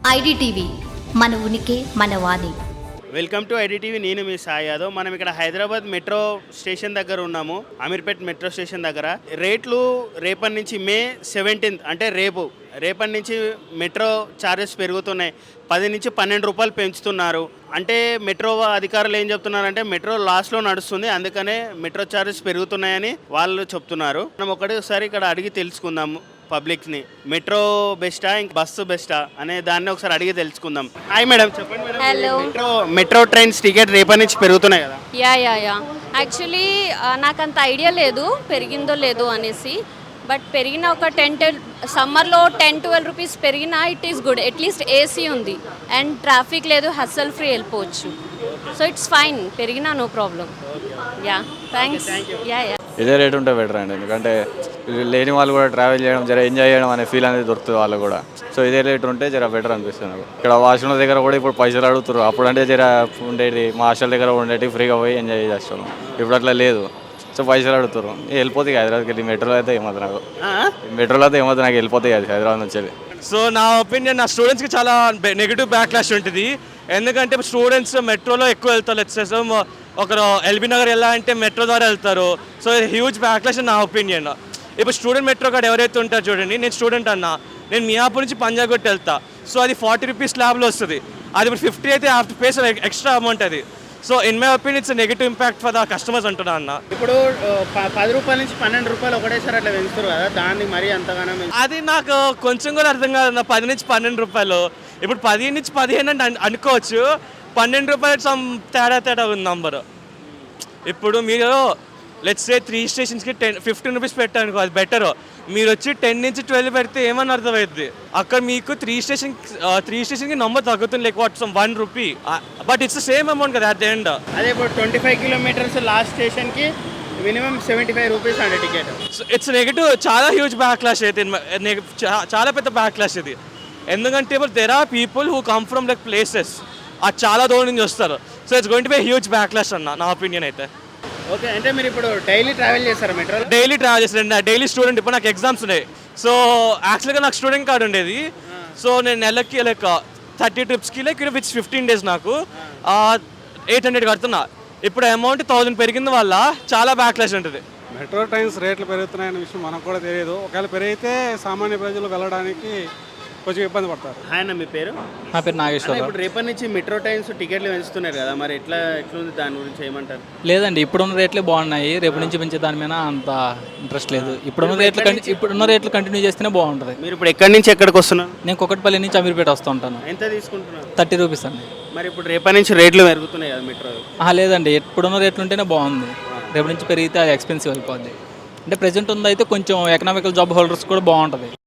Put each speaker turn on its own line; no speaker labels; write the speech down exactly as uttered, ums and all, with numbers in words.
IDTV మన ఉనికి మన వాణి.
Welcome to IDTV. నేను మీ సాయి యాదవ్. మనం ఇక్కడ హైదరాబాద్ మెట్రో స్టేషన్ దగ్గర ఉన్నాము, అమీర్పేట్ మెట్రో స్టేషన్ దగ్గర. రేట్లు రేపటి నుంచి మే సెవెంటీన్త్ అంటే రేపు రేపటి నుంచి మెట్రో ఛార్జెస్ పెరుగుతున్నాయి. పది నుంచి పన్నెండు రూపాయలు పెంచుతున్నారు. అంటే మెట్రో అధికారులు ఏం చెప్తున్నారంటే మెట్రో లాస్ట్లో నడుస్తుంది, అందుకనే మెట్రో ఛార్జెస్ పెరుగుతున్నాయని వాళ్ళు చెప్తున్నారు. మనం ఒకటిసారి ఇక్కడ అడిగి తెలుసుకుందాము పబ్లిక్ని. మెట్రో బెస్టా ఇంక బస్సు బెస్టా అనే దాన్ని ఒకసారి అడిగి తెలుసుకుందాం. హాయ్ మేడం, చెప్పండి madam.
Hello.
Metro metro trains ticket రేపటి నుంచి పెరుగుతున్నాయి కదా?
యా యా యా యాక్చువల్లీ నాకు అంత ఐడియా లేదు పెరిగిందో లేదో అనేసి. బట్ పెరిగిన ఒక టెన్ టెన్ సమ్మర్లో టెన్ ట్వెల్వ్ రూపీస్ పెరిగినా it is good. At least AC ఉంది అండ్ ట్రాఫిక్ లేదు, హస్సల్ ఫ్రీ వెళ్ళిపోవచ్చు. సో ఇట్స్ ఫైన్, పెరిగినా no problem. Yeah thanks. Yeah yeah
ఇదే రేట్ ఉంటే బెటర్ అండి, ఎందుకంటే లేని వాళ్ళు కూడా ట్రావెల్ చేయడం జర ఎంజాయ్ చేయడం అనే ఫీల్ అనేది దొరుకుతుంది వాళ్ళు కూడా. సో ఇదే రేట్ ఉంటే జర బెటర్ అనిపిస్తుంది నాకు. ఇక్కడ వాష్రూమ్ దగ్గర కూడా ఇప్పుడు పైసలు అడుగుతారు. అప్పుడు అంటే జర ఉండేది మా హాస్టల్ దగ్గర ఉండేవి ఫ్రీగా పోయి ఎంజాయ్ చేస్తాం. ఇప్పుడు అట్లా లేదు, సో పైసలు అడుగుతారు. వెళ్ళిపోతాయి హైదరాబాద్కి వెళ్ళి మెట్రోలో అయితే ఏమవుతుంది నాకు మెట్రోలో అయితే ఏమవుతుంది నాకు వెళ్ళిపోతాయి అది హైదరాబాద్ నుంచి వెళ్ళి.
సో నా ఒపీనియన్, నా స్టూడెంట్స్కి చాలా నెగిటివ్ బ్యాక్ క్లాష్ ఉంటుంది. ఎందుకంటే స్టూడెంట్స్ మెట్రోలో ఎక్కువ వెళ్తారు. లెట్స్ ఒకరు ఎల్బీ నగర్ వెళ్ళాలంటే మెట్రో ద్వారా వెళ్తారు. సో హ్యూజ్ బ్యాక్ క్లాష్ నా ఒపీనియన్. ఇప్పుడు స్టూడెంట్ మెట్రో కార్డ్ ఎవరైతే ఉంటారో చూడండి, నేను స్టూడెంట్ అన్నా, నేను మియాపూర్ నుంచి పంజాబ్ కొట్టి వెళ్తా. సో అది ఫార్టీ రూపీస్ స్లాబ్లో వస్తుంది. అది ఇప్పుడు ఫిఫ్టీ అయితే హాఫ్ పే ఎక్స్ట్రా అమౌంట్ అది. So in my opinion it's negative impact for the customers అంటున్నా అన్న.
ఇప్పుడు ప- పది రూపాయల నుంచి పన్నెండు రూపాయలు ఒకటేసారి అట్లా పెంచుతారు కదా, దాన్ని మరీ అంతగానో పెంచు-
అది నాకు కొంచెం కూడా అర్థం కాదు. పది నుంచి పన్నెండు రూపాయలు, ఇప్పుడు పది నుంచి పదిహేను అంటే అను- అనుకోవచ్చు. పన్నెండు రూపాయలు సమ్ తేడా తేడా ఉంది నంబరు. ఇప్పుడు మీరు లెట్స్ సే త్రీ స్టేషన్స్కి టెన్ ఫిఫ్టీన్ రూపీస్ పెట్టానుకో, అది బెటర్. మీరు వచ్చి టెన్ నుంచి ట్వెల్వ్ పెడితే ఏమని అర్థమవుతుంది? అక్కడ మీకు త్రీ స్టేషన్ త్రీ స్టేషన్కి నంబర్ తగ్గుతుంది, like what some one rupee, but it's same amount కదా అట్ ద ఎండ్.
అదే ఇప్పుడు ట్వంటీ ఫైవ్ కిలోమీటర్స్ లాస్ట్ స్టేషన్కి మినిమం సెవెంటీ ఫైవ్ రూపీస్ అండి టికెట్.
ఇట్స్ నెగిటివ్, చాలా హ్యూజ్ బ్యాక్ క్లాష్ అయితే, చాలా పెద్ద బ్యాక్ క్లాష్ ఇది. ఎందుకంటే ఇప్పుడు there are people who come from like places, అది చాలా దూరం నుంచి వస్తారు. So it's going to be huge back clash అన్న నా ఒపీనియన్ అయితే.
ఓకే, అంటే మీరు ఇప్పుడు డైలీ ట్రావెల్ చేస్తారా మెట్రో?
డైలీ ట్రావెల్ చేస్తాను, డైలీ స్టూడెంట్. ఇప్పుడు నాకు ఎగ్జామ్స్ ఉన్నాయి. సో యాక్చువల్గా నాకు స్టూడెంట్ కార్డ్ ఉండేది. సో నేను నెలకి లైక్ థర్టీ ట్రిప్స్కి లైక్ విచ్ ఫిఫ్టీన్ డేస్ నాకు ఎయిట్ హండ్రెడ్ కడుతున్నా. ఇప్పుడు అమౌంట్ థౌజండ్ పెరిగింది వల్ల చాలా బ్యాక్ క్లాష్ ఉంటుంది.
మెట్రో ట్రైన్స్ రేట్లు పెరుగుతున్నాయనే విషయం మనకు కూడా తెలియదు. ఒకవేళ పెరిగితే సామాన్య ప్రజలు వెళ్ళడానికి కొంచెం ఇబ్బంది పడతారు.
హాయ్ అన్న, మీ పేరు?
నా పేరు నాగేశ్వరరావు.
ఇప్పుడు రేపటి నుంచి మెట్రో ట్రైన్స్ టికెట్లు పెంచుతున్నారు కదా, మరి ఎట్లా ఎట్లుంది దాని గురించి ఏమంటారు?
లేదండి, ఇప్పుడున్న రేట్లే బాగున్నాయి. రేపు నుంచి పెంచే దాని మీద అంత ఇంట్రెస్ట్ లేదు. ఇప్పుడున్న రేట్లు కంటి- ఇప్పుడున్న రేట్లు కంటిన్యూ చేస్తేనే బాగుంటుంది.
మీరు ఇప్పుడు ఎక్కడి నుంచి ఎక్కడికి వస్తున్నారు?
నేను కొకట్పల్లి నుంచి అమీర్పేట వస్తూ ఉంటాను.
ఎంత తీసుకుంటున్నారు?
థర్టీ రూపీస్ అండి.
మరి ఇప్పుడు రేపటి నుంచి రేట్లు పెరుగుతున్నాయి కదా మెట్రో?
ఆహా, లేదండి, ఇప్పుడున్న రేట్లు ఉంటేనే బాగుంది. రేపు నుంచి పెరిగితే అది ఎక్స్పెన్సివ్ అయిపోద్ది. అంటే ప్రెజెంట్ ఉంది అయితే కొంచెం ఎకనామికల్ జాబ్ హోల్డర్స్ కూడా బాగుంటుంది.